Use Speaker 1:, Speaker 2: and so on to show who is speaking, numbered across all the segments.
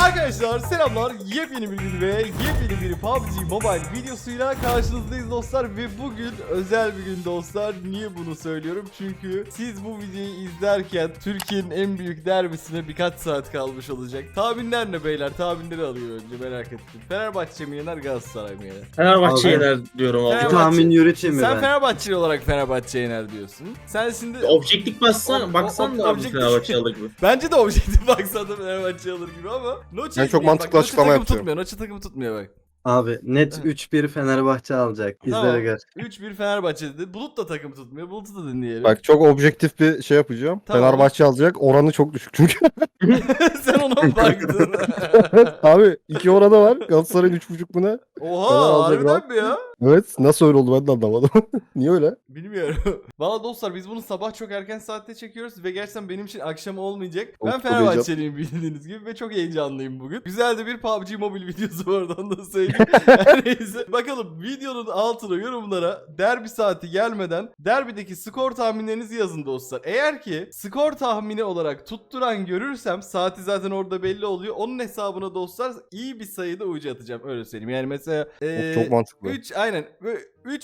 Speaker 1: Arkadaşlar selamlar, yepyeni bir gün ve yepyeni bir PUBG Mobile videosuyla karşınızdayız dostlar. Ve bugün özel bir gün dostlar. Niye bunu söylüyorum? Çünkü siz bu videoyu izlerken Türkiye'nin en büyük derbisine birkaç saat kalmış olacak. Tahminler ne beyler? Tahminleri alıyor önce, merak ettim. Fenerbahçe mi yener, Galatasaray mı yener?
Speaker 2: Fenerbahçe yener diyorum abi.
Speaker 1: Fenerbahçe-
Speaker 3: Tahmin yürüteyim mi
Speaker 1: Sen
Speaker 3: ben?
Speaker 1: Fenerbahçeli olarak Fenerbahçe yener diyorsun. Sen şimdi...
Speaker 2: Objektif baksan da abi
Speaker 1: objektif-
Speaker 2: Fenerbahçe alır gibi.
Speaker 1: Bence de objektif baksan da Fenerbahçe alır gibi ama Noç'a
Speaker 4: Ben çok
Speaker 1: gideyim.
Speaker 4: mantıklı
Speaker 1: Bak,
Speaker 4: açıklama
Speaker 1: Noç'a takım
Speaker 4: yapacağım.
Speaker 1: tutmuyor. Noç'a takım tutmuyor bak.
Speaker 3: Abi net
Speaker 1: Evet.
Speaker 3: 3-1 Fenerbahçe alacak.
Speaker 1: Tamam.
Speaker 3: İzlere gör.
Speaker 1: 3-1 Fenerbahçe dedi. Bulut da takım tutmuyor. Bulut'u da dinleyelim.
Speaker 4: Bak çok objektif bir şey yapacağım.
Speaker 1: Tamam.
Speaker 4: Fenerbahçe alacak. Oranı çok düşük çünkü.
Speaker 1: Sen ona mı baktın?
Speaker 4: Abi 2 oranı var. Galatasaray'ın 3.5 mu ne?
Speaker 1: Oha,
Speaker 4: alacak
Speaker 1: harbiden
Speaker 4: lan.
Speaker 1: mi ya?
Speaker 4: Evet. Nasıl öyle oldu ben de anlamadım. Niye öyle?
Speaker 1: Bilmiyorum. Valla dostlar biz bunu sabah çok erken saatte çekiyoruz ve gerçekten benim için akşam olmayacak.
Speaker 4: Of,
Speaker 1: Ben
Speaker 4: çok
Speaker 1: Fenerbahçeliyim bildiğiniz gibi ve çok heyecanlıyım bugün. Güzel de bir PUBG Mobile videosu var, oradan da söyleyeyim. Her neyse. Bakalım videonun altına yorumlara derbi saati gelmeden derbideki skor tahminlerinizi yazın dostlar. Eğer ki skor tahmini olarak tutturan görürsem, saati zaten orada belli oluyor. Onun hesabına dostlar iyi bir sayıda ucu atacağım, öyle söyleyeyim. Yani mesela
Speaker 4: Of, çok mantıklı.
Speaker 1: 3 aynen. Böyle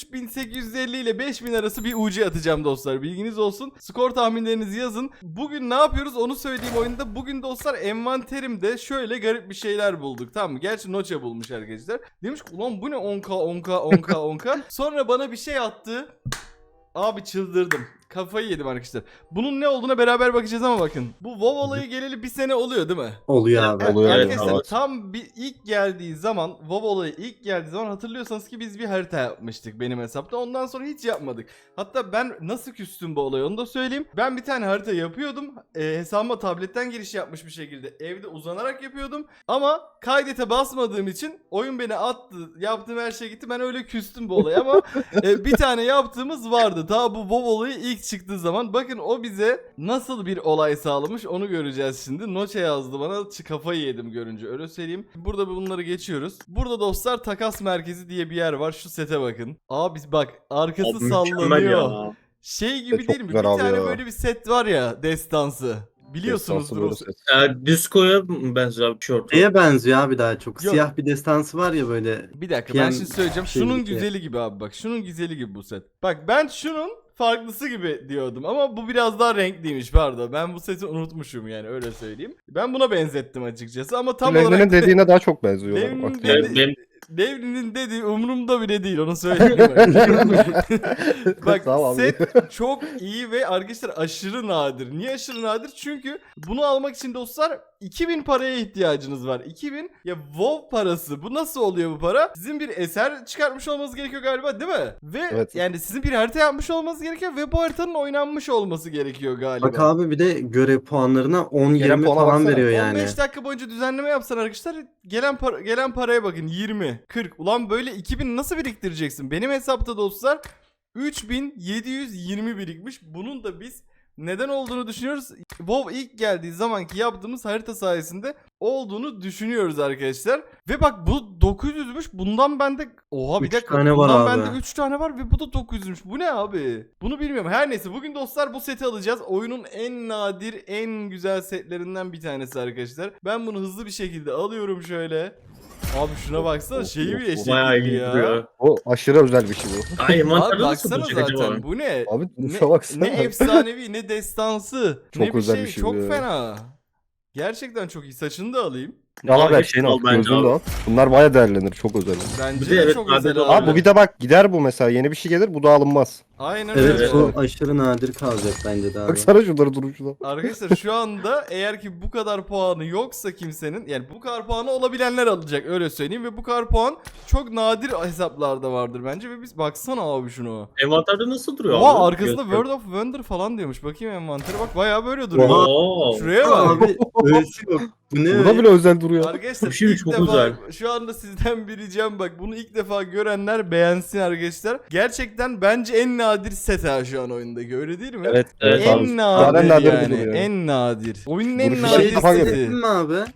Speaker 1: 3850 ile 5000 arası bir UC atacağım dostlar. Bilginiz olsun. Skor tahminlerinizi yazın. Bugün ne yapıyoruz onu söyleyeyim oyunda. Bugün dostlar envanterimde şöyle garip bir şeyler bulduk. Tamam mı? Gerçi Noça bulmuş arkadaşlar. Demiş ki ulan bu ne 10k 10k 10k 10k. Sonra bana bir şey attı. Abi çıldırdım. Kafayı yedim arkadaşlar. Bunun ne olduğuna beraber bakacağız ama bakın. Bu WoW olayı geleli bir sene oluyor değil mi?
Speaker 3: Oluyor abi.
Speaker 4: Oluyor.
Speaker 2: Evet,
Speaker 1: Arkadaşlar
Speaker 2: tamam.
Speaker 1: tam bir ilk geldiği zaman, WoW olayı ilk geldiği zaman hatırlıyorsanız ki biz bir harita yapmıştık benim hesapta. Ondan sonra hiç yapmadık. Hatta ben nasıl küstüm bu olaya onu da söyleyeyim. Ben bir tane harita yapıyordum. Hesabıma tabletten giriş yapmış bir şekilde evde uzanarak yapıyordum. Ama kaydete basmadığım için oyun beni attı. Yaptığım her şey gitti. Ben öyle küstüm bu olaya ama bir tane yaptığımız vardı. Daha bu WoW olayı ilk çıktığı zaman. Bakın o bize nasıl bir olay sağlamış onu göreceğiz şimdi. Noche yazdı bana, kafayı yedim görünce, öyle söyleyeyim. Burada bunları geçiyoruz. Burada dostlar takas merkezi diye bir yer var. Şu sete bakın. Abi bak arkası
Speaker 2: Abi mükemmel
Speaker 1: sallanıyor.
Speaker 2: ya.
Speaker 1: Şey gibi
Speaker 4: Çok
Speaker 1: değil mi? Bir
Speaker 4: güzel abi
Speaker 1: tane
Speaker 4: ya.
Speaker 1: böyle bir set var ya, destansı. Biliyorsunuzdur o set.
Speaker 2: Disco'ya benzer bir tişört.
Speaker 3: Neye benziyor abi daha çok?
Speaker 1: Yok.
Speaker 3: Siyah bir destansı var ya böyle.
Speaker 1: Bir dakika ben
Speaker 3: PM
Speaker 1: şimdi söyleyeceğim.
Speaker 3: şey
Speaker 1: Şunun
Speaker 3: gibi.
Speaker 1: güzeli gibi abi bak. Şunun güzeli gibi bu set. Bak ben şunun farklısı gibi diyordum ama bu biraz daha renkliymiş, pardon. Ben bu seti unutmuşum yani, öyle söyleyeyim. Ben buna benzettim açıkçası ama tam olarak
Speaker 4: Levni'nin dediğine daha çok benziyor.
Speaker 1: Levni'nin
Speaker 4: Bak,
Speaker 1: dediği-
Speaker 2: Yani benim
Speaker 1: Devri'nin dediği umurumda bile değil, onu söyleyeyim. Bak
Speaker 4: Tamam abi.
Speaker 1: set çok iyi ve arkadaşlar aşırı nadir. Niye aşırı nadir? Çünkü bunu almak için dostlar 2000 paraya ihtiyacınız var. 2000 ya WoW parası. Bu nasıl oluyor bu para? Sizin bir eser çıkartmış olmanız gerekiyor galiba, değil mi? Ve
Speaker 4: Evet.
Speaker 1: yani sizin bir harita yapmış olmanız gerekiyor ve bu haritanın oynanmış olması gerekiyor galiba.
Speaker 3: Bak abi bir de görev puanlarına 10-20
Speaker 4: puana
Speaker 3: falan
Speaker 4: baksana.
Speaker 3: veriyor yani.
Speaker 1: 15 dakika boyunca düzenleme yapsan arkadaşlar gelen paraya bakın, 20, 40. Ulan böyle 2000 nasıl biriktireceksin? Benim hesapta dostlar 3720 birikmiş. Bunun da biz neden olduğunu düşünüyoruz. WoW ilk geldiği zamanki yaptığımız harita sayesinde olduğunu düşünüyoruz arkadaşlar. Ve bak bu 900'müş. Bundan bende oha bir
Speaker 3: Üç
Speaker 1: dakika.
Speaker 3: tane var
Speaker 1: Bundan
Speaker 3: abi.
Speaker 1: bende 3 tane var ve bu da 900'müş. Bu ne abi? Bunu bilmiyorum. Her neyse bugün dostlar bu seti alacağız. Oyunun en nadir, en güzel setlerinden bir tanesi arkadaşlar. Ben bunu hızlı bir şekilde alıyorum şöyle. Abi şuna baksana,
Speaker 4: Of,
Speaker 1: şeyi
Speaker 4: of,
Speaker 1: bir
Speaker 4: of.
Speaker 1: eşek
Speaker 2: bayağı
Speaker 1: gibi
Speaker 2: iyi
Speaker 1: ya.
Speaker 2: duruyor.
Speaker 4: O aşırı özel bir şey bu.
Speaker 2: Ay
Speaker 1: Abi
Speaker 2: mantarda nasıl
Speaker 1: baksana
Speaker 2: bulacak acaba?
Speaker 1: zaten bu ne?
Speaker 4: Abi
Speaker 1: Ne,
Speaker 4: şuna baksana.
Speaker 1: ne efsanevi ne destansı.
Speaker 4: Çok
Speaker 1: ne bir
Speaker 4: özel
Speaker 1: şey,
Speaker 4: bir şey
Speaker 1: çok
Speaker 4: bu ya.
Speaker 1: fena. Gerçekten çok iyi. Saçını da alayım.
Speaker 4: Al abi her
Speaker 2: Hepsini
Speaker 4: şeyini
Speaker 2: al
Speaker 4: al.
Speaker 2: bence
Speaker 4: Gözünü de
Speaker 2: abi.
Speaker 4: al. Bunlar baya değerlenir. Çok özel.
Speaker 1: Bence
Speaker 2: Bir
Speaker 1: de
Speaker 2: de evet,
Speaker 1: çok
Speaker 2: nadir
Speaker 1: özel
Speaker 2: abi.
Speaker 4: Abi bu bir de bak gider bu mesela. Yeni bir şey gelir bu da alınmaz.
Speaker 1: Aynen
Speaker 3: Evet
Speaker 1: öyle.
Speaker 3: bu aşırı nadir kalacak bence de abi.
Speaker 4: Baksana şunları duruşuna.
Speaker 1: Arkadaşlar şu anda eğer ki bu kadar puanı yoksa kimsenin, yani bu kadar puanı olabilenler alacak, öyle söyleyeyim. Ve bu kadar puan çok nadir hesaplarda vardır bence. Ve biz baksana abi şunu.
Speaker 2: Envanterde nasıl duruyor
Speaker 1: Oha,
Speaker 2: abi?
Speaker 1: arkasında
Speaker 2: Göster.
Speaker 1: World of Wonder falan diyormuş. Bakayım envantere bak, bayağı böyle duruyor.
Speaker 2: Oo.
Speaker 1: Şuraya bak.
Speaker 3: Abi öylesi yok. Bu ne
Speaker 4: Buna
Speaker 3: öyle?
Speaker 4: bile özel duruyor.
Speaker 1: Arkadaşlar
Speaker 2: Bu şey
Speaker 1: ilk
Speaker 2: çok
Speaker 1: defa
Speaker 2: güzel.
Speaker 1: şu anda sizden bir ricam, bak bunu ilk defa görenler beğensin arkadaşlar. Gerçekten bence en nadir set ha şu an oyundaki, öyle değil mi?
Speaker 4: Evet.
Speaker 2: Evet
Speaker 1: En
Speaker 4: abi.
Speaker 1: nadir
Speaker 4: Zaten nadir
Speaker 1: yani.
Speaker 4: bir durum yani.
Speaker 1: En nadir. Oyunun en
Speaker 4: Duruşu
Speaker 1: nadir
Speaker 4: şey kafa
Speaker 1: seti.
Speaker 4: göre.
Speaker 3: Dedin mi abi?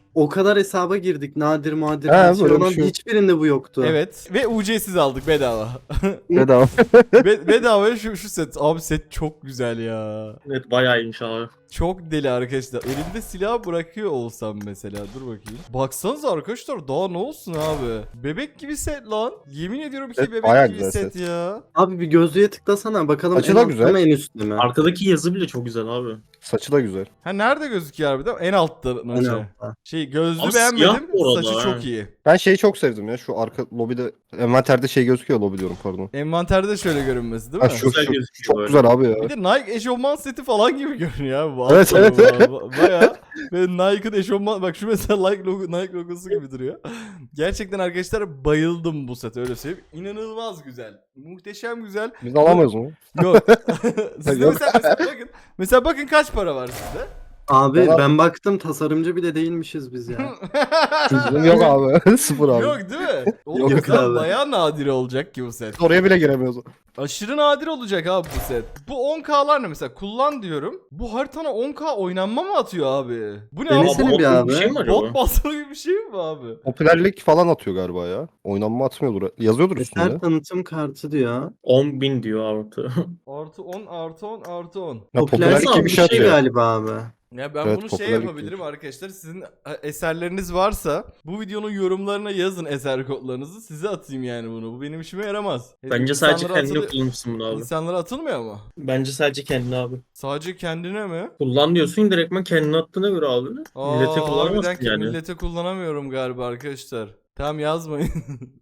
Speaker 3: o kadar hesaba girdik. Nadir madir.
Speaker 4: He,
Speaker 3: her şey
Speaker 4: böyle bir
Speaker 3: olan
Speaker 4: şey yok.
Speaker 3: hiçbirinde bu yoktu.
Speaker 1: Evet ve UC'siz aldık bedava.
Speaker 4: Bedava.
Speaker 1: Bedava şu set. Abi set çok güzel ya.
Speaker 2: Evet bayağı iyiymiş abi.
Speaker 1: Çok deli arkadaşlar. Elimde silah bırakıyor olsam mesela. Dur bakayım. Baksanıza arkadaşlar daha ne olsun abi. Bebek gibi set lan. Yemin ediyorum ki
Speaker 4: Evet,
Speaker 1: bebek
Speaker 4: bayağı
Speaker 1: gibi
Speaker 4: güzel
Speaker 1: set
Speaker 4: set.
Speaker 1: ya.
Speaker 3: Abi bir gözlüğe tıklasana bakalım
Speaker 4: Açı
Speaker 3: en
Speaker 4: da
Speaker 3: altta
Speaker 4: güzel.
Speaker 3: mı en üstte mi?
Speaker 2: Arkadaki yazı bile çok güzel abi.
Speaker 4: Saçı da güzel.
Speaker 1: Ha nerede gözüküyor harbiden? En altta.
Speaker 3: En
Speaker 1: Naçe.
Speaker 3: altta.
Speaker 1: Gözlü
Speaker 2: Abi siyah
Speaker 1: beğenmedim.
Speaker 2: bu arada
Speaker 1: Saçı
Speaker 2: ha.
Speaker 1: çok iyi.
Speaker 4: Ben şeyi çok sevdim ya. Şu arka lobide envanterde şey gözüküyor, lobi diyorum pardon.
Speaker 1: Envanterde şöyle görünmesi değil
Speaker 4: Ha,
Speaker 1: mi?
Speaker 4: şu,
Speaker 2: Güzel
Speaker 4: şu.
Speaker 2: gözüküyor
Speaker 4: Çok
Speaker 2: böyle.
Speaker 4: güzel abi ya.
Speaker 1: Bir de Nike eşofman seti falan gibi görünüyor abi. Bu
Speaker 4: Evet,
Speaker 1: alt
Speaker 4: evet.
Speaker 1: tarafı Baya ve Nike'ın eşofman bak şu mesela Nike logosu gibi duruyor. Gerçekten arkadaşlar bayıldım bu sete öyle söyleyeyim. İnanılmaz güzel. Muhteşem güzel.
Speaker 4: Biz alamıyoruz mu?
Speaker 1: Yok. Sizde
Speaker 4: Yok.
Speaker 1: mesela bakın kaç para var sizde?
Speaker 3: Abi
Speaker 4: Tamam.
Speaker 3: ben baktım tasarımcı bile değilmişiz biz ya.
Speaker 4: Bizim yok abi. Sıfır abi.
Speaker 1: Yok değil mi? Oğlum
Speaker 3: Yok
Speaker 1: sen
Speaker 3: abi.
Speaker 1: bayağı nadir olacak ki bu set.
Speaker 4: Oraya bile giremiyoruz.
Speaker 1: Aşırı nadir olacak abi bu set. Bu 10K'lar ne mesela? Kullan diyorum. Bu haritana 10K oynanma mı atıyor abi? Bu ne
Speaker 3: Denesene
Speaker 1: abi?
Speaker 2: Abi,
Speaker 3: bir
Speaker 2: o-
Speaker 3: abi.
Speaker 2: Bir şey mi acaba?
Speaker 1: Bot basma gibi bir şey mi bu abi?
Speaker 4: Popülerlik falan atıyor galiba ya. Oynanma atmıyordur. Yazıyordur üstünde.
Speaker 3: Eser tanıtım kartı diyor.
Speaker 2: 10.000 diyor artı.
Speaker 1: Artı 10 artı 10 artı 10.
Speaker 4: Ya
Speaker 3: Popülerlik
Speaker 4: popülerlik gibi
Speaker 3: bir
Speaker 4: bir şey
Speaker 3: şey
Speaker 4: atıyor.
Speaker 3: galiba abi.
Speaker 1: Ya ben
Speaker 4: Evet,
Speaker 1: bunu şey
Speaker 4: popülerlik
Speaker 1: yapabilirim arkadaşlar. Sizin eserleriniz varsa bu videonun yorumlarına yazın eser kodlarınızı. Size atayım yani bunu. Bu benim işime yaramaz.
Speaker 2: Bence sadece
Speaker 1: İnsanlara
Speaker 2: kendine
Speaker 1: atılıyor-
Speaker 2: kullanırsın bunu abi.
Speaker 1: İnsanlara atılmıyor mu?
Speaker 2: Bence sadece kendine abi.
Speaker 1: Sadece kendine mi?
Speaker 2: Kullan diyorsun direktmen kendine attığına göre abi. Millete
Speaker 1: Harbiden
Speaker 2: kullanamazsın
Speaker 1: ki
Speaker 2: yani.
Speaker 1: millete kullanamıyorum galiba arkadaşlar. Tamam yazmayın.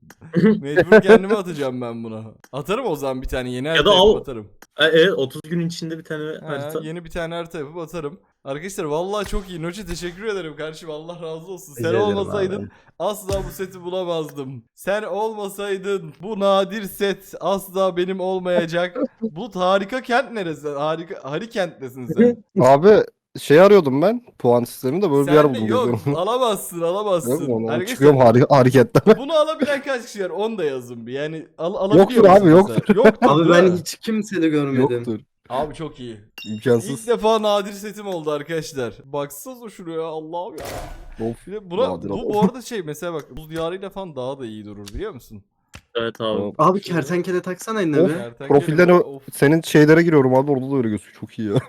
Speaker 1: Mecbur kendime atacağım ben bunu. Atarım o zaman bir tane yeni
Speaker 2: da
Speaker 1: harita
Speaker 2: al.
Speaker 1: yapıp atarım.
Speaker 2: Evet 30 gün içinde bir tane
Speaker 1: Ha,
Speaker 2: harita.
Speaker 1: yeni bir tane harita yapıp atarım. Arkadaşlar vallahi çok iyi. Noche teşekkür ederim kardeşim. Allah razı olsun. Sen
Speaker 3: Rica ederim
Speaker 1: olmasaydın
Speaker 3: abi.
Speaker 1: asla bu seti bulamazdım. Sen olmasaydın bu nadir set asla benim olmayacak. Bu harika kent neresi? Harika kenttesin sen.
Speaker 4: Abi şey arıyordum ben. Puan sistemi de böyle bir yer
Speaker 1: Sen de
Speaker 4: buldum.
Speaker 1: yok
Speaker 4: geziyorum.
Speaker 1: alamazsın
Speaker 4: Yok
Speaker 1: alamazsın.
Speaker 4: mu? Onu
Speaker 1: Arkadaşlar,
Speaker 4: çıkıyorum hareketten.
Speaker 1: bunu alabilen kaç kişi var? Onu da yazın bir. Yani alabiliyor
Speaker 4: Yoktur
Speaker 1: musun
Speaker 4: abi,
Speaker 1: mesela? Yoktur.
Speaker 3: Abi
Speaker 1: değil
Speaker 3: ben
Speaker 1: mi?
Speaker 3: hiç kimsede görmedim.
Speaker 4: Yoktur.
Speaker 1: Abi çok iyi.
Speaker 4: İmkansız.
Speaker 1: İlk defa nadir setim oldu arkadaşlar. Baksanıza şuraya Allah'ım ya.
Speaker 4: Of.
Speaker 1: Bir de buna,
Speaker 4: Nadir
Speaker 1: bu
Speaker 4: oldu.
Speaker 1: bu arada şey mesela bak buz diyarıyla falan daha da iyi durur biliyor musun?
Speaker 2: Evet abi.
Speaker 4: Tamam.
Speaker 3: Abi kertenkele taksana eline
Speaker 4: Of.
Speaker 3: be.
Speaker 1: Kertenkele
Speaker 4: Profilden
Speaker 1: bak,
Speaker 4: o
Speaker 1: of.
Speaker 4: senin şeylere giriyorum abi, orada da öyle gözüküyor. Çok iyi ya.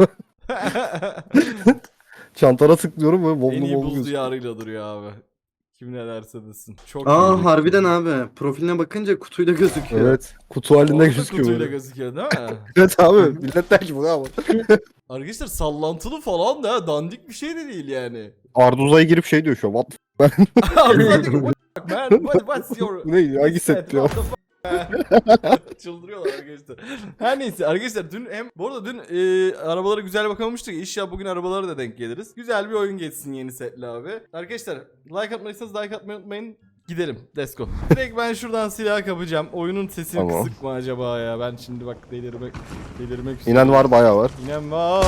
Speaker 4: Çantana tıklıyorum böyle
Speaker 1: En
Speaker 4: bol
Speaker 1: iyi
Speaker 4: bol
Speaker 1: buz
Speaker 4: gözüküyor.
Speaker 1: diyarıyla duruyor abi. Kim ne derse desin. Çok iyi.
Speaker 3: Aa harbiden abi. Profiline bakınca kutuyla gözüküyor.
Speaker 4: Evet. Kutu halinde
Speaker 1: Orada
Speaker 4: gözüküyor
Speaker 1: kutuyla
Speaker 4: böyle.
Speaker 1: gözüküyor değil mi?
Speaker 4: Evet abi. Millet der ki bu ne abi.
Speaker 1: Arkadaşlar sallantılı falan da dandik bir şey de değil yani.
Speaker 4: Arduza'ya girip şey diyor şu an. What?
Speaker 1: Abi sen de what the fuck man? What's your...
Speaker 4: Bu ne? Hangi set diyor.
Speaker 1: What the fuck? Çıldırıyorlar arkadaşlar. Her neyse arkadaşlar bu arada dün arabalara güzel bakamamıştık. İnşallah bugün arabalara da denk geliriz. Güzel bir oyun geçsin yeni setle abi. Arkadaşlar like atmadıysanız like atmayı unutmayın. Gidelim. Let's go. Direkt ben şuradan silah kapacağım. Oyunun sesini
Speaker 4: Tamam.
Speaker 1: kısık mı acaba ya? Ben şimdi bak delirmek istiyorum.
Speaker 4: İnen var, bayağı var.
Speaker 1: İnen var.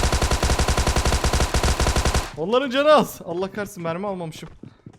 Speaker 1: Onların canı az. Allah kahretsin mermi almamışım.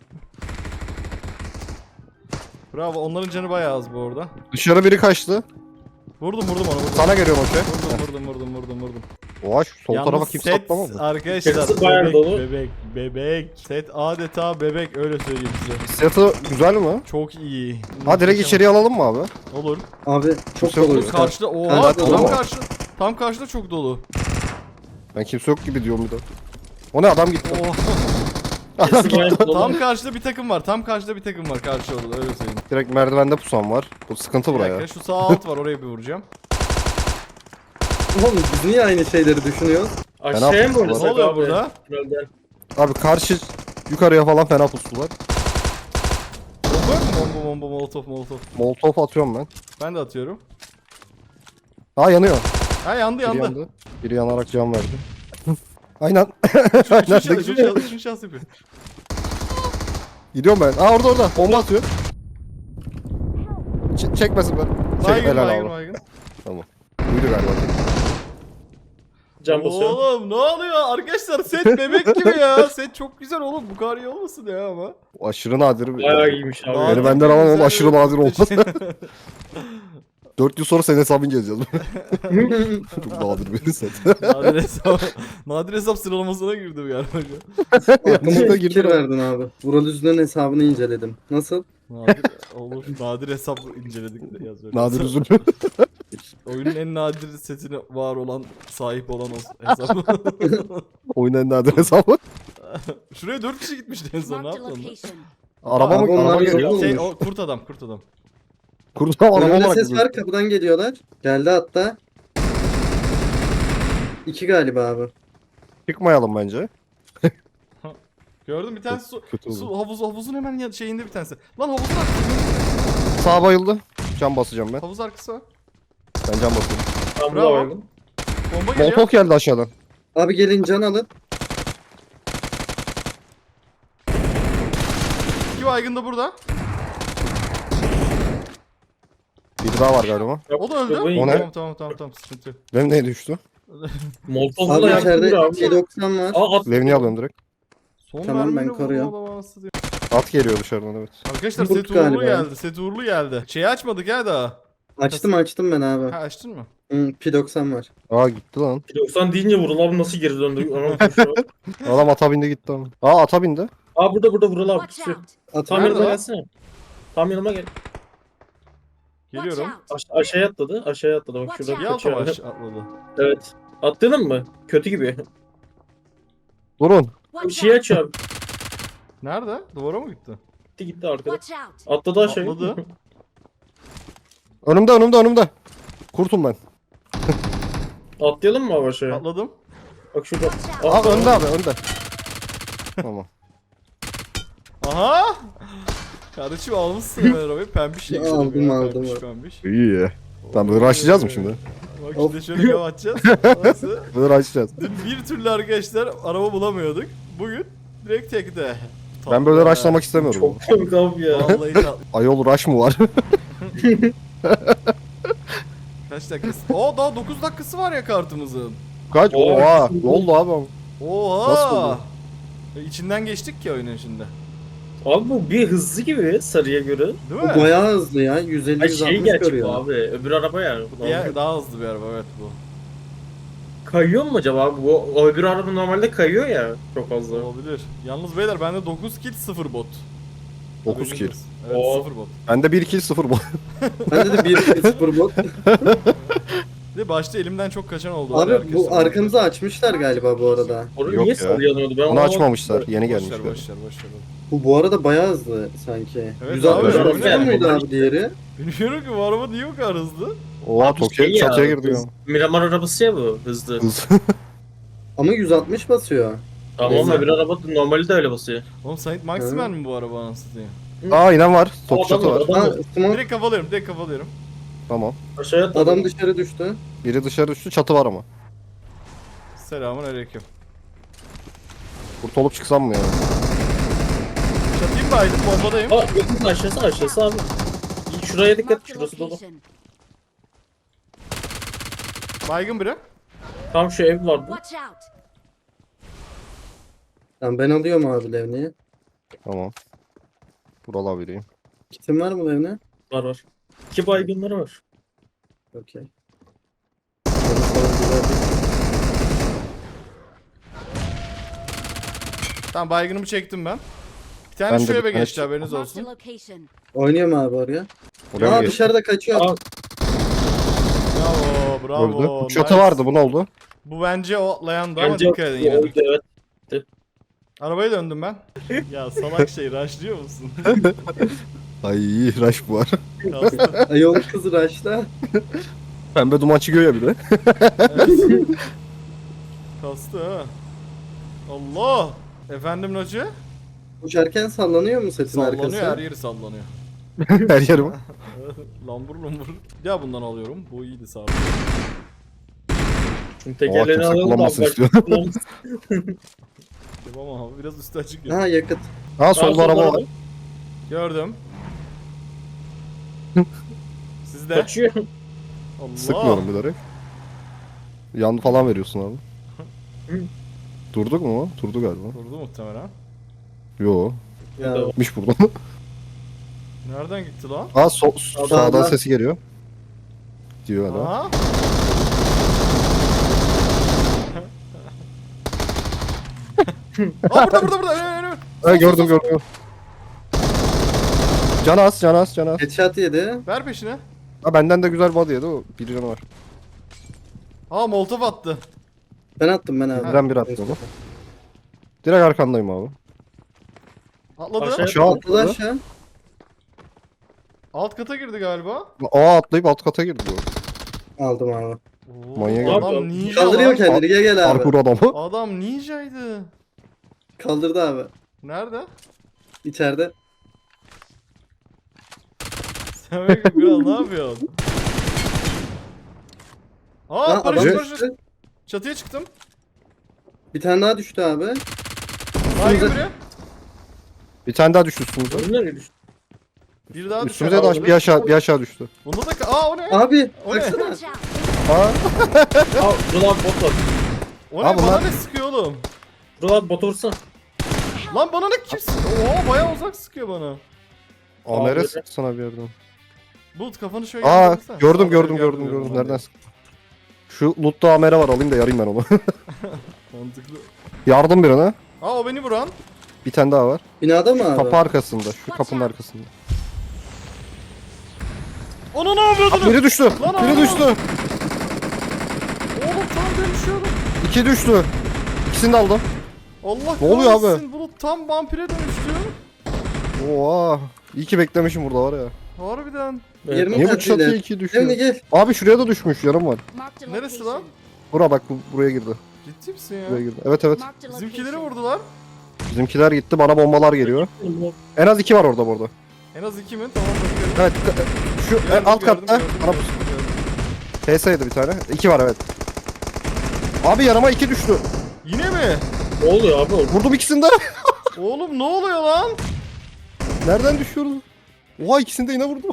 Speaker 1: Bravo onların canı bayağı az bu arada.
Speaker 4: Dışarı biri kaçtı.
Speaker 1: Vurdum onu vurdum.
Speaker 4: Sana geliyor o şey.
Speaker 1: Vurdum.
Speaker 4: Oha şu sol
Speaker 1: Yalnız
Speaker 4: tarafa kimse
Speaker 1: set
Speaker 4: atlamadı.
Speaker 1: arkadaşlar
Speaker 2: Sesi bayağı
Speaker 1: bebek,
Speaker 2: dolu.
Speaker 1: bebek. Set adeta bebek öyle söyleyeyim size.
Speaker 4: Hissiyatı güzel mi?
Speaker 1: Çok iyi.
Speaker 4: Ha direkt
Speaker 1: Muhteşem.
Speaker 4: içeriye alalım mı abi?
Speaker 1: Olur.
Speaker 3: Abi çok
Speaker 4: Kimse yok
Speaker 3: dolu.
Speaker 4: mu?
Speaker 1: Karşıda
Speaker 3: Ha,
Speaker 1: oha
Speaker 3: dolu
Speaker 1: tam
Speaker 3: mu?
Speaker 1: tam karşıda çok dolu.
Speaker 4: Ben kimse yok gibi diyorum bir de. O ne, adam gitti.
Speaker 1: Oha.
Speaker 4: Adam
Speaker 2: Sesi
Speaker 4: gitti.
Speaker 2: bayağı dolu.
Speaker 1: Tam karşıda bir takım var. Tam karşıda bir takım var karşı orada öyle söyleyeyim.
Speaker 4: Direkt merdivende pusan var. Bu sıkıntı
Speaker 1: Bir
Speaker 4: buraya.
Speaker 1: dakika şu sağ alt var oraya bir vuracağım.
Speaker 3: Oğlum biz niye aynı şeyleri düşünüyoruz?
Speaker 2: Aşağıya mı
Speaker 4: yaptım?
Speaker 1: Ne
Speaker 2: oynasak
Speaker 1: oluyor
Speaker 2: abi?
Speaker 1: burada?
Speaker 2: Tünelden.
Speaker 4: Abi karşı yukarıya falan fena pusular.
Speaker 1: Bomba molotov.
Speaker 4: Molotov atıyorum ben.
Speaker 1: Ben de atıyorum.
Speaker 4: Ha yanıyor.
Speaker 1: Ha yandı
Speaker 4: Biri
Speaker 1: yandı.
Speaker 4: yandı. Biri yanarak can verdi. Aynen.
Speaker 1: Üçüncü şans yapıyor.
Speaker 4: Gidiyorum ben. Aa orada. Bomba atıyor. Çekmesin ben.
Speaker 1: Baygın.
Speaker 4: Buydu galiba.
Speaker 2: Can basıyor.
Speaker 1: Oğlum ne oluyor? Arkadaşlar set bebek gibi ya. Set çok güzel oğlum. Bu kadar iyi olmasın ya ama.
Speaker 4: O aşırı nadir.
Speaker 2: Bayağı iyiymiş abi.
Speaker 1: Nadir
Speaker 4: benden alan oğlum,
Speaker 1: güzel
Speaker 4: aşırı
Speaker 1: bir-
Speaker 4: nadir olmaz. 4 yıl sonra senin hesabını gezeceğiz. Çok nadir bir set.
Speaker 1: Nadir hesap sıralamasına girdim yani.
Speaker 3: Aklıma
Speaker 4: Yanlışlıkla
Speaker 3: bir fikir
Speaker 4: girdim.
Speaker 3: verdin abi. Vural Üzü'nün hesabını inceledim. Nasıl?
Speaker 1: Nadir, olur. Nadir hesap inceledik de yazıyor.
Speaker 4: Nadir üzülü.
Speaker 1: Oyunun en nadir setine var olan, sahip olan o hesap.
Speaker 4: Oyunun en nadir hesabı.
Speaker 1: Şuraya 4 kişi gitmişti en son, ne
Speaker 5: Marked a
Speaker 1: yaptın?
Speaker 5: location.
Speaker 4: Araba
Speaker 3: Abi
Speaker 4: mı?
Speaker 3: onlar
Speaker 4: Araba
Speaker 3: yok
Speaker 4: geliyor.
Speaker 3: olmuş.
Speaker 1: Şey, o kurt adam, kurt adam.
Speaker 4: Kurda araba
Speaker 3: Önümde
Speaker 4: olarak
Speaker 3: ses
Speaker 4: gidiyor.
Speaker 3: var, kapıdan geliyorlar. Geldi hatta. 2 galiba abi.
Speaker 4: Çıkmayalım bence.
Speaker 1: Gördüm bir tanesi
Speaker 4: Kötü oldu.
Speaker 1: havuzun hemen şeyinde bir tanesi. Lan havuzun
Speaker 4: Sağa bayıldı. Cam basacağım ben.
Speaker 1: havuz arkası var.
Speaker 4: Ben cam basıyorum.
Speaker 2: Tam
Speaker 1: Bravo.
Speaker 2: bu baygın.
Speaker 1: Bomba geliyor.
Speaker 4: Molotov geldi aşağıdan.
Speaker 3: Abi gelin can alın.
Speaker 1: 2 baygın da burada.
Speaker 4: Bir daha var galiba.
Speaker 1: O da öldü.
Speaker 2: O
Speaker 4: ne?
Speaker 1: Tamam sıkıntı yok.
Speaker 4: Benim neye düştü?
Speaker 2: Molotof'la
Speaker 3: Abi
Speaker 2: yaktın
Speaker 3: içeride
Speaker 2: abi.
Speaker 3: 290 var.
Speaker 2: Aa at.
Speaker 4: Levni alıyorum direkt.
Speaker 1: Son
Speaker 3: Tamam, ben
Speaker 1: mermiyle vurdum
Speaker 3: koruyorum.
Speaker 1: adamı, anasını satayım.
Speaker 4: At geliyor dışarıdan evet.
Speaker 1: Arkadaşlar
Speaker 3: Kurt
Speaker 1: set uğurlu
Speaker 3: galiba.
Speaker 1: geldi. Set uğurlu geldi. Şeyi açmadık ya daha.
Speaker 3: Açtım ben abi.
Speaker 1: Ha açtın mı?
Speaker 3: P90 var.
Speaker 4: Aa gitti lan.
Speaker 2: 90 deyince Vural abi nasıl geri döndü? Ona koşuyor.
Speaker 4: Adam ata bindi gitti ama. Aa ata bindi.
Speaker 2: Aa burada Vural abi.
Speaker 5: Watch out.
Speaker 2: Tam
Speaker 3: Atalım.
Speaker 1: Nerede
Speaker 2: yanıma
Speaker 1: lan?
Speaker 2: gelsene. Tam yanıma gel.
Speaker 5: Watch
Speaker 1: Geliyorum.
Speaker 5: out.
Speaker 2: Aşağıya atladı. Aşağıya atladı. Bak şurada
Speaker 1: Bir alta
Speaker 2: kaçıyor.
Speaker 1: atladı.
Speaker 2: Evet. Atladın mı? Kötü gibi.
Speaker 4: Durun.
Speaker 2: Bir
Speaker 5: Watch
Speaker 2: şey
Speaker 5: out.
Speaker 2: aç abi.
Speaker 1: Nerede? Duvara mı gitti?
Speaker 2: Gitti arkada.
Speaker 5: Watch out.
Speaker 2: Atladı aşağıya.
Speaker 1: Atladı.
Speaker 4: Önümde. Kurtum ben.
Speaker 2: Atlayalım mı abi aşağıya?
Speaker 1: Atladım.
Speaker 2: Bak şurada.
Speaker 5: Watch out.
Speaker 4: Aa önde abi önde. Tamam.
Speaker 1: Aha! Kardeşim almışsın hemen arabayı. Pembiş
Speaker 3: Ya,
Speaker 1: güzelim
Speaker 3: aldım,
Speaker 1: ya.
Speaker 3: aldım.
Speaker 1: Pembiş.
Speaker 4: İyi. Ben böyle açacağız mı şimdi?
Speaker 1: Bak şimdi şöyle kapatacağız. Nasıl?
Speaker 4: Böyle açacağız.
Speaker 1: Dün bir türlü arkadaşlar araba bulamıyorduk. Bugün direkt tekte.
Speaker 4: Ben böyle raşlamak istemiyorum.
Speaker 2: Çok komik abi ya.
Speaker 1: Vallahi tatlı.
Speaker 4: Ayol rush mu var?
Speaker 1: Kaç dakikası? Oo daha 9 dakikası var ya kartımızın.
Speaker 4: Kaç?
Speaker 2: Oo.
Speaker 4: Oha. Ne oldu abi?
Speaker 1: Oha!
Speaker 4: Nasıl oldu?
Speaker 1: İçinden geçtik ki oyunun şimdi.
Speaker 2: Abi bu bir hızlı gibi sarıya göre.
Speaker 1: Değil
Speaker 3: Bu
Speaker 1: mi?
Speaker 3: bayağı hızlı ya.
Speaker 2: Ay
Speaker 3: 150-160
Speaker 2: şey gerçek bu
Speaker 3: görüyor.
Speaker 2: abi. Öbür araba yani.
Speaker 1: Daha hızlı bir araba evet bu.
Speaker 2: Kayıyor mu acaba abi? Bu o öbür araba normalde kayıyor ya çok fazla.
Speaker 1: Olabilir. Yalnız beyler bende 9 kill 0 bot.
Speaker 4: 9 kill.
Speaker 1: Haberiniz olsun. Evet
Speaker 2: Oo.
Speaker 1: 0 bot.
Speaker 4: Bende 1 kill 0 bu.
Speaker 3: Bende de 1-0 bot.
Speaker 1: De başta elimden çok kaçan oldu.
Speaker 3: Abi
Speaker 1: arkadaşlar.
Speaker 3: bu arkamızı açmışlar galiba bu arada.
Speaker 2: Orada
Speaker 4: Yok
Speaker 2: niye
Speaker 4: ya.
Speaker 2: sarı yanıyordu? Ben
Speaker 4: Onu
Speaker 2: onu
Speaker 4: açmamışlar. Yeni
Speaker 1: Boş ver,
Speaker 4: gelmişler.
Speaker 1: boş ver.
Speaker 3: Bu arada bayağı hızlı sanki.
Speaker 1: Evet
Speaker 3: 160
Speaker 2: abi,
Speaker 3: basıyor
Speaker 2: yani.
Speaker 3: muydu abi diğeri?
Speaker 1: Bilmiyorum ki bu araba niye o kadar hızlı?
Speaker 4: Oha
Speaker 2: Abi
Speaker 4: Tokyo
Speaker 2: şey ya,
Speaker 4: çatıya girdi ya.
Speaker 2: Miramar arabası ya bu hızlı.
Speaker 4: Hız.
Speaker 3: Ama 160 basıyor.
Speaker 2: Tamam
Speaker 3: Hızlı.
Speaker 2: öbür araba normalde de öyle basıyor.
Speaker 1: Oğlum Saint Maximen mi bu araba anasını ya?
Speaker 4: Aa inen var.
Speaker 2: Adam
Speaker 4: Top çatı var.
Speaker 2: adam-
Speaker 3: Ha, smoke.
Speaker 1: Direkt kafalıyorum, direkt kafalıyorum.
Speaker 4: Tamam.
Speaker 2: Aşağıya atladı.
Speaker 3: Adam dışarı düştü.
Speaker 4: Biri dışarı düştü çatı var ama.
Speaker 1: Selamun aleyküm.
Speaker 4: Kurtulup çıksam mı ya?
Speaker 1: Çatayım da aydın, bombadayım.
Speaker 2: Aa yakın aşağısı abi. Şuraya dikkat
Speaker 5: Marked a
Speaker 2: şurası dolu.
Speaker 5: location.
Speaker 1: Baygın biri.
Speaker 2: Tam şu ev vardı.
Speaker 5: Watch out.
Speaker 3: Tamam ben alıyorum abi Levni'yi.
Speaker 4: Tamam. Buralar vereyim.
Speaker 3: Kitin var mı Levni?
Speaker 2: Var. 2 baygınları var.
Speaker 3: Okey.
Speaker 1: Tamam baygınımı çektim ben. Bir tane
Speaker 4: Ben de
Speaker 1: şu
Speaker 4: bir
Speaker 1: eve
Speaker 4: tane
Speaker 1: geçti haberiniz
Speaker 5: Marked a
Speaker 1: olsun.
Speaker 5: location.
Speaker 3: Oynuyorum abi oraya.
Speaker 4: Oraya mı
Speaker 3: Aa
Speaker 4: geçti?
Speaker 3: dışarıda kaçıyor.
Speaker 2: Aa,
Speaker 1: Bravo, bravo.
Speaker 4: Öldü. Bu çatı
Speaker 1: nice.
Speaker 4: vardı bu ne oldu?
Speaker 1: Bu bence o atlayan da ama
Speaker 2: bence
Speaker 1: dikkat edin yine.
Speaker 2: oldu, evet.
Speaker 1: Arabaya döndüm ben. Ya salak şey rushlıyor musun?
Speaker 4: Ay rush bu var.
Speaker 1: Kastı.
Speaker 3: Ayol kızı raşla.
Speaker 4: Pembe duman çıkıyor ya bir de.
Speaker 1: Evet. Kastı ha. Allah. Efendim Nocu?
Speaker 3: Uçarken sallanıyor mu setin
Speaker 1: Sallanıyor,
Speaker 3: arkası?
Speaker 1: her yeri sallanıyor.
Speaker 4: Her yerim.
Speaker 1: Lambur lumbur. Bir daha bundan alıyorum. Bu iyiydi sağ ol.
Speaker 2: Şimdi
Speaker 4: Oha
Speaker 2: tekerlerini
Speaker 4: kimse
Speaker 2: alalım da
Speaker 4: kullanmasın
Speaker 2: bak-
Speaker 4: istiyor.
Speaker 1: Tamam abi biraz üstü açık ya.
Speaker 3: Ha yakıt.
Speaker 4: Ha solda araba var.
Speaker 1: Gördüm. Sizde.
Speaker 2: Kaçıyor.
Speaker 1: Allah.
Speaker 4: Sıkmıyorum bilerek. Yan falan veriyorsun abi.
Speaker 2: Hı.
Speaker 4: Durduk mu? Durdu galiba.
Speaker 1: Durdu muhtemelen.
Speaker 4: Yo.
Speaker 3: Ya,
Speaker 4: Gitmiş buradan.
Speaker 1: Nereden gitti lan?
Speaker 4: Aa sağdan
Speaker 3: Sağdan.
Speaker 4: sesi geliyor. diyor hala.
Speaker 1: Aha. Aa burada. Önüme.
Speaker 4: Gördüm. Can az.
Speaker 3: Headshot yedi.
Speaker 1: Ver peşine.
Speaker 4: Ha, benden de güzel body yedi o. Bir canı var.
Speaker 1: Aa molotof attı.
Speaker 3: Ben attım ben abi.
Speaker 4: Ben bir attım onu. Direkt arkandayım abi.
Speaker 1: Atladı.
Speaker 2: Aşağı-
Speaker 4: Aşağı
Speaker 3: Atladı
Speaker 4: atladı.
Speaker 3: aşağı.
Speaker 1: Alt kata girdi galiba.
Speaker 4: Aa atlayıp alt kata girdi o.
Speaker 3: Aldım abi.
Speaker 1: Oo,
Speaker 4: Manyak
Speaker 1: adam
Speaker 2: adam.
Speaker 1: ninja
Speaker 3: Kaldırıyor
Speaker 1: lan.
Speaker 3: kendini gel abi.
Speaker 4: Parkur adamı.
Speaker 1: Adam ninjaydı.
Speaker 3: Kaldırdı abi.
Speaker 1: Nerede?
Speaker 3: İçeride.
Speaker 1: Sen be kral ne yapıyorsun? Aa
Speaker 3: Lan
Speaker 1: paraşüt
Speaker 3: adam
Speaker 1: paraşüt.
Speaker 3: düştü.
Speaker 1: Çatıya çıktım.
Speaker 3: Bir tane daha düştü abi.
Speaker 1: Baygın biri.
Speaker 4: Bir tane daha düştü üstümüze.
Speaker 2: Önüne mi düştü?
Speaker 1: Bir daha düştü.
Speaker 4: Üstümüze de bir aşağı düştü.
Speaker 1: Bunda da aa o ne?
Speaker 3: Abi
Speaker 1: O ne?
Speaker 3: baksana.
Speaker 5: Watch out!
Speaker 4: Aa
Speaker 2: Aa dur lan bot var.
Speaker 1: O ne?
Speaker 4: Aa,
Speaker 1: Bana
Speaker 4: bunlar-
Speaker 1: ne sıkıyor oğlum?
Speaker 2: Dur lan bot vursana.
Speaker 1: Lan bana ne kim sıkıyor? Oo bayağı uzak sıkıyor bana.
Speaker 4: Amere
Speaker 2: Abi.
Speaker 4: sıktı sana bir yerden.
Speaker 1: Bulut kafanı şöyle
Speaker 4: Aa
Speaker 1: kaldırsana.
Speaker 4: gördüm.
Speaker 1: Gördüm.
Speaker 4: Nereden sıktı? Şu lootta amere var alayım da yarayım ben onu.
Speaker 1: Mantıklı.
Speaker 4: Yardım birine.
Speaker 1: Aa o beni vuran.
Speaker 4: Bir tane daha var.
Speaker 3: Binada mı abi?
Speaker 4: Kapı arkasında. Şu kapının arkasında.
Speaker 1: Onu ne yapıyordun?
Speaker 4: Biri düştü.
Speaker 1: Lan
Speaker 4: Biri
Speaker 1: oğlum.
Speaker 4: düştü.
Speaker 1: Oğlum tam dönüşüyorum.
Speaker 4: 2 düştü. İkisini de aldım.
Speaker 1: Allah
Speaker 4: Ne oluyor abi?
Speaker 1: kahretsin, Bulut tam vampire dönüştü.
Speaker 4: Oha. İyi ki beklemişim burada var ya.
Speaker 1: Harbiden.
Speaker 3: 20
Speaker 4: Niye bu
Speaker 3: katıyla.
Speaker 4: çatıya 2 düşüyor?
Speaker 3: Şimdi gel.
Speaker 4: Abi şuraya da düşmüş yarım var.
Speaker 5: Marked a
Speaker 1: Neresi
Speaker 5: location.
Speaker 1: lan?
Speaker 4: Bura bak buraya girdi.
Speaker 1: Ciddi misin ya?
Speaker 4: Buraya girdi. Evet.
Speaker 5: Marked a
Speaker 1: Bizimkileri
Speaker 5: location.
Speaker 1: vurdular.
Speaker 4: Bizimkiler gitti bana bombalar geliyor. En az 2 var orada burada.
Speaker 1: En az 2 mi? Tamam bakıyorum.
Speaker 4: Evet. Şu
Speaker 1: Gördüm,
Speaker 4: alt
Speaker 1: gördüm,
Speaker 4: katta.
Speaker 1: gördüm,
Speaker 4: Bana
Speaker 1: gördüm.
Speaker 4: PS'ydi bir tane. 2 var evet. Abi yanıma 2 düştü.
Speaker 1: Yine mi?
Speaker 2: Ne oluyor abi orada?
Speaker 4: Vurdum ikisini de.
Speaker 1: Oğlum ne oluyor lan?
Speaker 4: Nereden düşüyoruz? Oha ikisini de yine vurdum.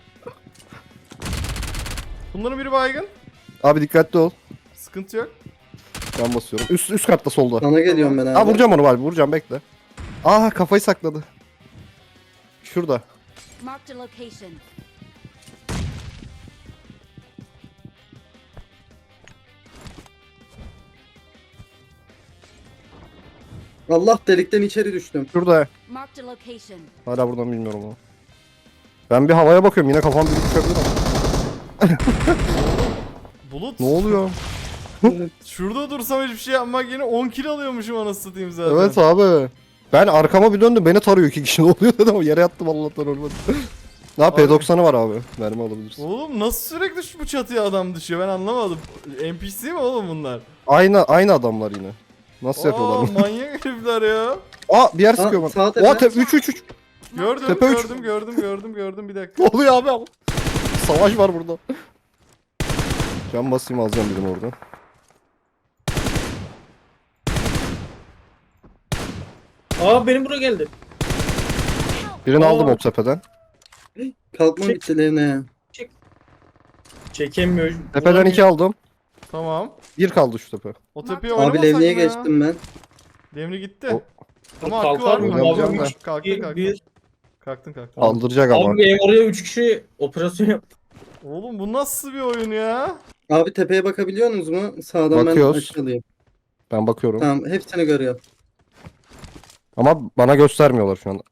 Speaker 1: Bunların biri baygın.
Speaker 4: Abi dikkatli ol.
Speaker 1: Sıkıntı yok.
Speaker 4: Ben basıyorum. Üst katta solda.
Speaker 3: Sana geliyorum ben abi.
Speaker 4: Aa vuracağım onu abi vuracağım bekle. Aa kafayı sakladı. Şurada.
Speaker 5: Marked a location.
Speaker 3: Allah delikten içeri düştüm.
Speaker 4: Şurada.
Speaker 5: Marked a location.
Speaker 4: Hala buradan bilmiyorum ama. Ben bir havaya bakıyorum yine kafam büyük düşebilir ama.
Speaker 1: Bulut.
Speaker 4: Ne oluyor?
Speaker 1: Şurada dursam hiçbir şey yapmak yerine 10 kill alıyormuşum anasını satayım zaten.
Speaker 4: Evet abi. Ben arkama bir döndüm beni tarıyor 2 kişi ne oluyor dedim ama yere yattım Allah'tan ölmedim. Ne
Speaker 1: Abi.
Speaker 4: P90'ı var abi. Mermi alabilirsin.
Speaker 1: Oğlum nasıl sürekli bu çatıya adam düşüyor ben anlamadım. NPC mi oğlum bunlar?
Speaker 4: Aynı adamlar yine. Nasıl yapıyorlar bunu?
Speaker 1: Manyak herifler ya.
Speaker 4: Aa bir yer
Speaker 3: Aa,
Speaker 4: sıkıyor bana.
Speaker 3: sağ tepe.
Speaker 4: Oha 3
Speaker 1: Gördüm
Speaker 4: Tepe üç.
Speaker 1: gördüm bir dakika.
Speaker 4: Ne oluyor abi? Savaş var burada. Can basayım alacağım birini oradan.
Speaker 2: Aa benim buraya geldi.
Speaker 4: Birini
Speaker 2: Aa.
Speaker 4: aldım o tepeden.
Speaker 3: Kalkma
Speaker 2: Çek.
Speaker 3: gitti Levne.
Speaker 2: Çekemiyor.
Speaker 4: Tepeden 2 aldım.
Speaker 1: Tamam.
Speaker 4: 1 kaldı şu tepe.
Speaker 1: O tepeye
Speaker 3: Abi
Speaker 1: oynamasak
Speaker 3: Levne'ye
Speaker 1: mı ya?
Speaker 3: geçtim ben.
Speaker 1: Levni gitti.
Speaker 4: O-
Speaker 1: Ama
Speaker 2: Kalkar
Speaker 1: hakkı var
Speaker 2: mı?
Speaker 1: mı?
Speaker 4: Abi,
Speaker 1: Kalktın
Speaker 4: üç,
Speaker 1: kalktın.
Speaker 2: Bir.
Speaker 1: Kalktın.
Speaker 4: Aldıracak ama.
Speaker 2: Abi benim oraya 3 kişi operasyon yaptı.
Speaker 1: Oğlum bu nasıl bir oyun ya?
Speaker 3: Abi tepeye bakabiliyorsunuz mu? Sağdan
Speaker 4: Bakıyoruz.
Speaker 3: ben açılayım.
Speaker 4: Ben bakıyorum.
Speaker 3: Tamam hepsini görüyorum.
Speaker 4: Ama bana göstermiyorlar şu anda.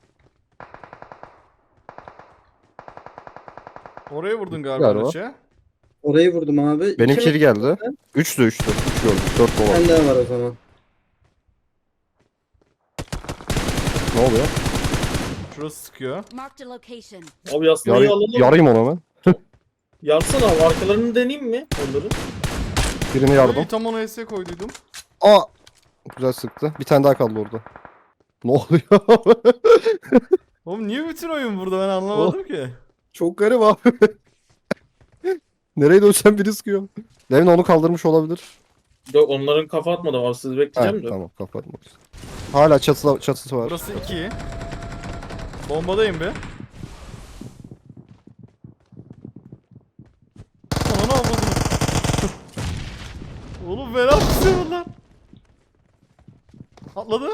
Speaker 1: Oraya vurdun galiba
Speaker 4: Galiba.
Speaker 1: Reçe.
Speaker 3: Orayı vurdum abi.
Speaker 4: Benim
Speaker 3: İki
Speaker 4: kill
Speaker 3: mi?
Speaker 4: geldi. 3'tü 3'tü. 3 gördüm. 4
Speaker 3: Bir
Speaker 4: dolar.
Speaker 3: tane daha var o zaman.
Speaker 4: Ne oluyor?
Speaker 1: Şurası sıkıyor.
Speaker 5: Marked a location.
Speaker 2: Abi aslında alalım.
Speaker 4: Yarayım onu hemen.
Speaker 2: Yarsana abi arkalarını deneyeyim mi onları?
Speaker 4: Birini yardım.
Speaker 1: Oy, tam ona S koyduydum.
Speaker 4: Aa! Güzel sıktı. Bir tane daha kaldı orada. Ne oluyor?
Speaker 1: Oğlum niye bütün oyun burada ben anlamadım ki.
Speaker 4: Çok garip abi. Nereye dönsem biri sıkıyor. Devin onu kaldırmış olabilir.
Speaker 2: Yok onların kafa atmadı var siz
Speaker 4: Ha,
Speaker 2: bekleyeceğim de.
Speaker 4: tamam kapatmak. Hala çatısı var.
Speaker 1: Burası 2. Bombadayım be. Ana avladım. Oğlum fena tutuyor bunlar. Atladı.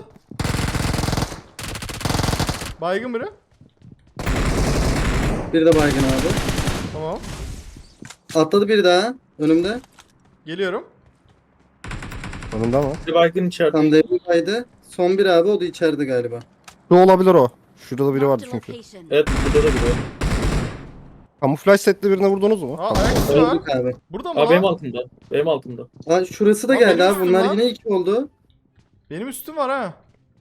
Speaker 1: Baygın biri.
Speaker 3: Bir de baygın abi.
Speaker 1: Tamam.
Speaker 3: Atladı biri daha. Önümde.
Speaker 1: Geliyorum.
Speaker 4: Önünde ama.
Speaker 2: Bir baygın içeride.
Speaker 3: Tam devrimdaydı. Son bir abi, o da içeride galiba.
Speaker 4: Şu olabilir o. Şurada da biri vardı
Speaker 5: Marked a
Speaker 4: çünkü.
Speaker 5: location.
Speaker 2: Evet burada da biri.
Speaker 4: Kamuflaj setli birine vurdunuz mu?
Speaker 1: Aa
Speaker 4: Tamam.
Speaker 1: ayak sesi var.
Speaker 3: Öldük abi.
Speaker 1: Burada mı
Speaker 2: Abi benim
Speaker 1: lan?
Speaker 2: altımda. Benim altımda.
Speaker 3: Aa, şurası da
Speaker 1: Lan
Speaker 3: geldi
Speaker 1: benim
Speaker 3: abi.
Speaker 1: üstüm
Speaker 3: Bunlar
Speaker 1: lan.
Speaker 3: yine 2 oldu.
Speaker 1: Benim üstüm var ha.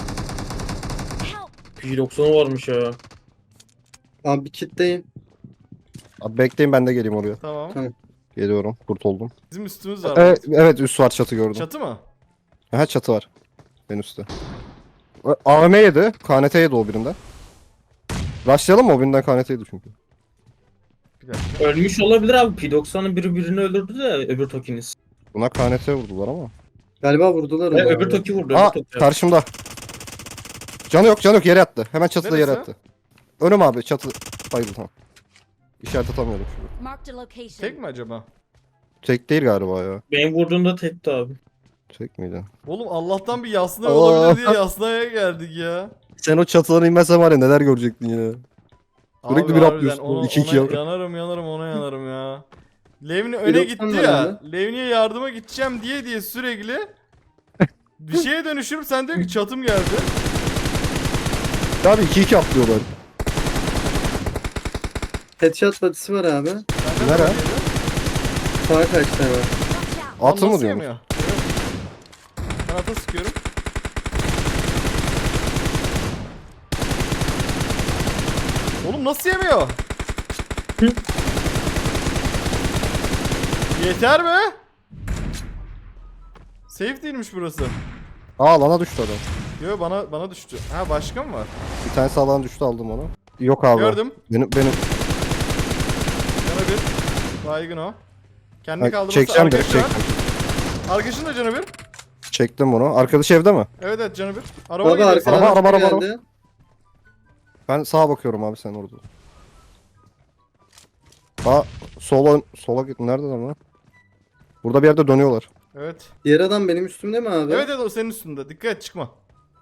Speaker 5: Help!
Speaker 2: P90'u varmış ya.
Speaker 3: Abi bir kitleyim.
Speaker 4: Abi bekleyin ben de geleyim oraya.
Speaker 1: Tamam.
Speaker 3: Tamam.
Speaker 4: Geliyorum. Kurt oldum.
Speaker 1: Bizim üstümüz var.
Speaker 4: Evet, evet üst var çatı gördüm.
Speaker 1: Çatı mı?
Speaker 4: Ha çatı var. En üstte. AVM yedi. KNT yedi o birinden. Rushlayalım mı? O birinden KNT yedi çünkü.
Speaker 1: Bir dakika.
Speaker 2: Ölmüş olabilir abi. P90'ın biri birini öldürdü de öbür Toki'niz.
Speaker 4: Buna KNT vurdular ama.
Speaker 3: Galiba vurdular onu.
Speaker 2: Öbür
Speaker 3: abi.
Speaker 2: Toki vurdu.
Speaker 4: Aa
Speaker 2: Öbür Toki.
Speaker 4: karşımda. Canı yok canı yok yere yattı. Hemen çatıda yere
Speaker 1: Neresi?
Speaker 4: yattı. Önüm abi çatı. Bayıldı tamam. İşaret atamıyordum şurada.
Speaker 5: Marked a location.
Speaker 1: Tek mi acaba?
Speaker 4: Tek değil galiba ya.
Speaker 2: Benim vurduğumda tekti abi.
Speaker 4: Tek miydi?
Speaker 1: Oğlum Allah'tan bir yasna
Speaker 4: Aa.
Speaker 1: olabilir diye yasnaya geldik ya.
Speaker 4: Sen o çatıdan inmezsen var ya neler görecektin yine. Sürekli
Speaker 1: Abi
Speaker 4: bir
Speaker 1: harbiden
Speaker 4: atlıyorsun.
Speaker 1: ona-
Speaker 4: 2-2
Speaker 1: ona
Speaker 4: yap.
Speaker 1: yanarım ona yanarım ya. Levni öne
Speaker 3: Bir
Speaker 1: gitti
Speaker 3: doksan var
Speaker 1: ya.
Speaker 3: abi.
Speaker 1: Levni'ye yardıma gideceğim diye sürekli bir şeye dönüşürüm, sen diyor ki çatım geldi.
Speaker 4: Abi 2-2 atlıyorlar.
Speaker 3: Headshot body'si var abi.
Speaker 1: Bende
Speaker 4: Nere?
Speaker 1: de var.
Speaker 3: Sağa kaçtı hemen.
Speaker 5: Watch out!
Speaker 4: Atı mı
Speaker 1: Nasıl
Speaker 4: diyorsun?
Speaker 1: yemiyor? Evet. Ben ata sıkıyorum. Oğlum nasıl yemiyor? Yeter be. Safe değilmiş burası.
Speaker 4: Aa alana düştü adam.
Speaker 1: Yo bana düştü. Ha başka mı var?
Speaker 4: Bir tanesi alana düştü aldım onu. Yok abi.
Speaker 1: Gördüm.
Speaker 4: Benim
Speaker 1: Canı bir. Baygın o. Kendi
Speaker 4: Ha,
Speaker 1: kaldırması.
Speaker 4: çekeceğim direkt
Speaker 1: Arkadaşı var.
Speaker 4: çektim.
Speaker 1: Arkadaşın da canı bir.
Speaker 4: Çektim bunu. Arkadaş evde mi?
Speaker 1: Evet canı bir. Araba
Speaker 3: Abi
Speaker 1: geliyor.
Speaker 3: arkadan
Speaker 4: Araba, araba,
Speaker 3: geldi.
Speaker 4: Ben sağa bakıyorum abi sen orada. Aa sola git. Nerede lan? Burada bir yerde dönüyorlar.
Speaker 1: Evet.
Speaker 3: Diğer adam benim üstümde mi abi?
Speaker 1: Evet o senin üstünde. Dikkat et çıkma.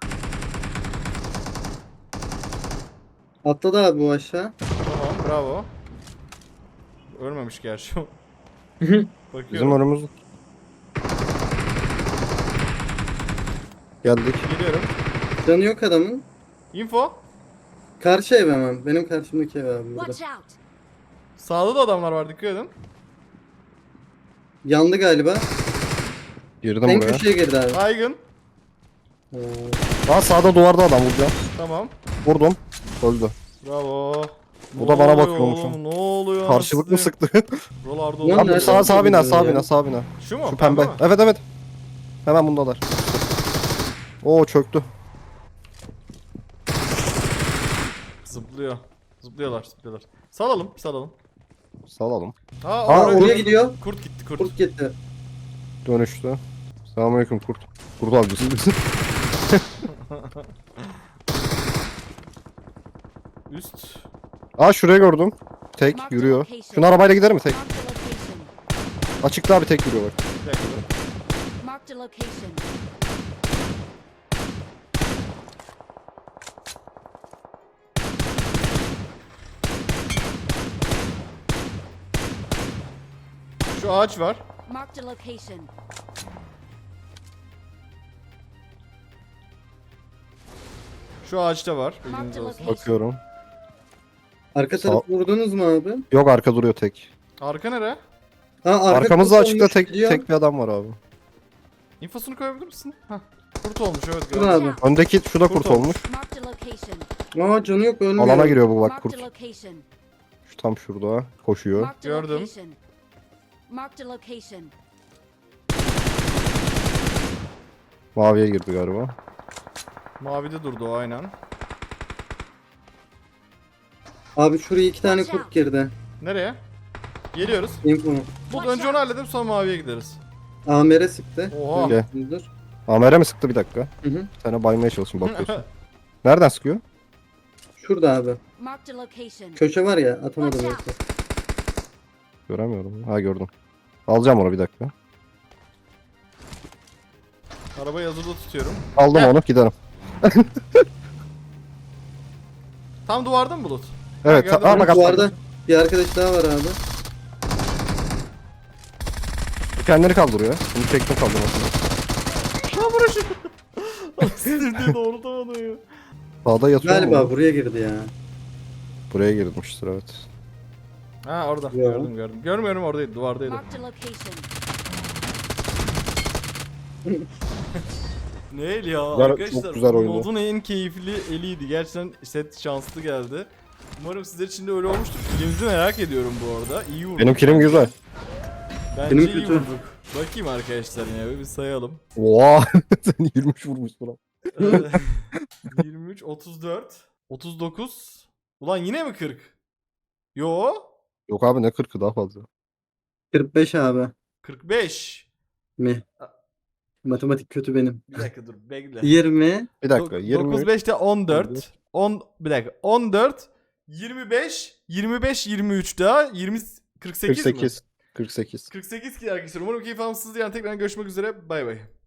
Speaker 3: Atladı abi bu aşağı.
Speaker 1: Tamam bravo. Ölmemiş gerçi o.
Speaker 4: Bizim
Speaker 1: Bakıyorum.
Speaker 4: önümüz. Geldik.
Speaker 1: Geliyorum.
Speaker 3: Canı yok adamın.
Speaker 1: Info.
Speaker 3: Karşı ev hemen. Benim karşımdaki ev abi burada.
Speaker 5: Watch out!
Speaker 1: Sağda da adamlar var, dikkat edin.
Speaker 3: Yandı galiba.
Speaker 4: Girdim
Speaker 3: En
Speaker 4: buraya.
Speaker 3: köşeye girdi abi.
Speaker 1: Baygın.
Speaker 4: Aa sağda duvarda adam vuracağım.
Speaker 1: Tamam.
Speaker 4: Vurdum. Öldü.
Speaker 1: Bravo.
Speaker 4: Bu da bana
Speaker 1: oluyor
Speaker 4: bakıyormuş
Speaker 1: oğlum, ne oluyor?
Speaker 4: Karşılıklı
Speaker 1: anasını?
Speaker 4: sıktı.
Speaker 1: Buralarda
Speaker 3: Lan
Speaker 1: olan
Speaker 4: Abi
Speaker 3: nerede
Speaker 1: oluyor.
Speaker 4: sağ bina
Speaker 3: ya?
Speaker 4: sağ bina.
Speaker 1: Şu mu?
Speaker 4: Şu pembe.
Speaker 1: mi?
Speaker 4: Evet. Hemen bundalar. Oo çöktü.
Speaker 1: Zıplıyor. Zıplıyorlar. Salalım.
Speaker 4: Salalım.
Speaker 1: Aa,
Speaker 4: Aa,
Speaker 3: Oraya gidiyor.
Speaker 1: Kurt gitti kurt.
Speaker 3: Kurt gitti.
Speaker 4: Dönüştü. Selamünaleyküm kurt. Kurt avcısı biz.
Speaker 1: Üst.
Speaker 4: Aa şuraya gördüm. Tek
Speaker 5: Marked
Speaker 4: yürüyor.
Speaker 5: location.
Speaker 4: Şunu arabayla gider mi tek?
Speaker 5: Marked a location.
Speaker 4: Açıkta abi tek yürüyor bak.
Speaker 1: Bir dakika.
Speaker 5: Marked a location.
Speaker 1: Şu ağaç var.
Speaker 5: Marked a location.
Speaker 1: Şu ağaçta var.
Speaker 5: Marked
Speaker 1: Bilginiz
Speaker 5: a
Speaker 1: olsun.
Speaker 5: location.
Speaker 4: Bakıyorum.
Speaker 3: Arka
Speaker 4: Sağ-
Speaker 3: tarafı vurdunuz mu abi?
Speaker 4: Yok arka duruyor tek.
Speaker 1: Arka nere?
Speaker 3: Ha, arka
Speaker 4: Arkamızda
Speaker 3: kurt
Speaker 4: açıkta
Speaker 3: olmuş,
Speaker 4: tek
Speaker 3: gidiyor.
Speaker 4: tek bir adam var abi.
Speaker 1: İnfosunu koyabilir misin? Hah. Kurt olmuş evet.
Speaker 3: Dur
Speaker 1: gördüm.
Speaker 3: abi.
Speaker 4: Öndeki şu da
Speaker 1: Kurt
Speaker 4: kurt
Speaker 1: olmuş.
Speaker 4: olmuş.
Speaker 5: Marked a location.
Speaker 3: Aa canı yok, ölmüyor.
Speaker 4: Alana giriyor bu bak
Speaker 5: Marked
Speaker 4: kurt.
Speaker 5: a location.
Speaker 4: Şu tam şurada koşuyor.
Speaker 5: Marked a
Speaker 1: Gördüm.
Speaker 5: location. Marked a location.
Speaker 4: Maviye girdi galiba.
Speaker 1: Mavide durdu o aynen.
Speaker 3: Abi şuraya 2 tane
Speaker 5: Watch out.
Speaker 3: kurt girdi.
Speaker 1: Nereye? Geliyoruz.
Speaker 3: Info.
Speaker 1: Bu önce onu halledelim sonra maviye gideriz.
Speaker 3: Amer'e sıktı.
Speaker 1: Oha.
Speaker 4: Gel.
Speaker 3: Dur.
Speaker 4: Amer'e mi sıktı bir dakika?
Speaker 3: Hı hı.
Speaker 4: Bir tane baymaya çalışayım bakıyorsun. Nereden sıkıyor?
Speaker 3: Şurada abi.
Speaker 5: Marked a location.
Speaker 3: Köşe var ya, atamadım
Speaker 5: Watch
Speaker 3: yoksa.
Speaker 4: Göremiyorum. Ha gördüm. Alacağım onu bir dakika.
Speaker 1: Arabayı hazırda tutuyorum.
Speaker 4: Aldım
Speaker 1: Gel.
Speaker 4: onu giderim.
Speaker 1: Tam duvarda mı Bulut?
Speaker 4: Evet.
Speaker 1: gördüm.
Speaker 4: Aa, bak
Speaker 3: Bu
Speaker 4: atladı.
Speaker 3: arada bir arkadaş daha var abi.
Speaker 4: Kendini kaldırıyor. Bunu tekne kaldırmasın.
Speaker 1: Sinirdiği doğrultamadı ya.
Speaker 4: Sağda yatıyor
Speaker 3: Galiba
Speaker 4: mu?
Speaker 3: buraya girdi ya.
Speaker 4: Buraya girmiştir evet.
Speaker 1: Ha orada.
Speaker 3: Ya.
Speaker 1: Gördüm. Görmüyorum oradaydı. Duvardaydı.
Speaker 5: Marked a location.
Speaker 1: Ne el ya
Speaker 4: Güzel,
Speaker 1: arkadaşlar.
Speaker 4: çok güzel oyundu.
Speaker 1: Modun en keyifli eliydi. Gerçekten set şanslı geldi. Umarım sizler için de öyle olmuştur. Kilimizi merak ediyorum bu arada. İyi vurduk.
Speaker 4: Benim kilim güzel.
Speaker 1: Bence
Speaker 3: Benim
Speaker 1: iyi
Speaker 3: kötü.
Speaker 1: vurduk. Bakayım arkadaşlar yine bir sayalım.
Speaker 4: Oha. Sen 23 vurmuşsun lan.
Speaker 1: 23, 34, 39. Ulan yine mi 40? Yo.
Speaker 4: Yok abi ne 40'ı daha fazla.
Speaker 3: 45 abi.
Speaker 1: 45.
Speaker 3: Mi? Matematik kötü benim.
Speaker 1: Bir dakika dur bekle.
Speaker 3: 20.
Speaker 4: Bir dakika
Speaker 1: 9
Speaker 4: 23.
Speaker 1: 5'te 14. 10 bir dakika 14 25 25 23 daha 20 48 mi?
Speaker 4: 48. 48.
Speaker 1: 48 ki arkadaşlar. Umarım keyif almışsınızdır. Yani tekrar görüşmek üzere. Bay bay.